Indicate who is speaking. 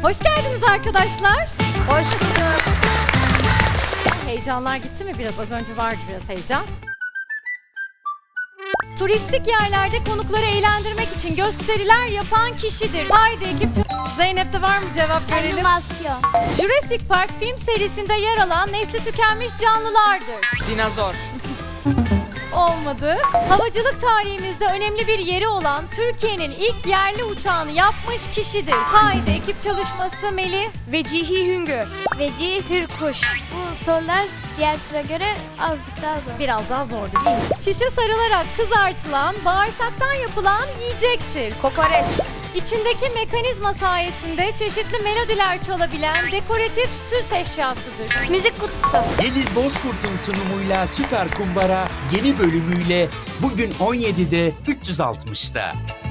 Speaker 1: Hoş geldiniz arkadaşlar.
Speaker 2: Hoş bulduk.
Speaker 1: Heyecanlar gitti mi biraz? Az önce vardı biraz heyecan. Turistik yerlerde konukları eğlendirmek için gösteriler yapan kişidir. Haydi ekip. Zeynep'te var mı cevap verelim?
Speaker 2: Animasyon.
Speaker 1: Jurassic Park film serisinde yer alan nesli tükenmiş canlılardır.
Speaker 3: Dinozor.
Speaker 1: Olmadı. Havacılık tarihimizde önemli bir yeri olan Türkiye'nin ilk yerli uçağını yapmış kişidir. Haydi ekip çalışması Melih.
Speaker 3: Vecihi Hüngür.
Speaker 2: Veci Hürkuş. Bu sorular diğer tura göre azıcık daha zor.
Speaker 1: Biraz daha zordu değil mi? Şişe sarılarak kızartılan, bağırsaktan yapılan yiyecektir.
Speaker 3: Kokoreç.
Speaker 1: İçindeki mekanizma sayesinde çeşitli melodiler çalabilen dekoratif süs eşyasıdır.
Speaker 2: Müzik kutusu.
Speaker 4: Deniz Bozkurt'un sunumuyla Süper Kumbara yeni bölümüyle bugün 17'de 360'da.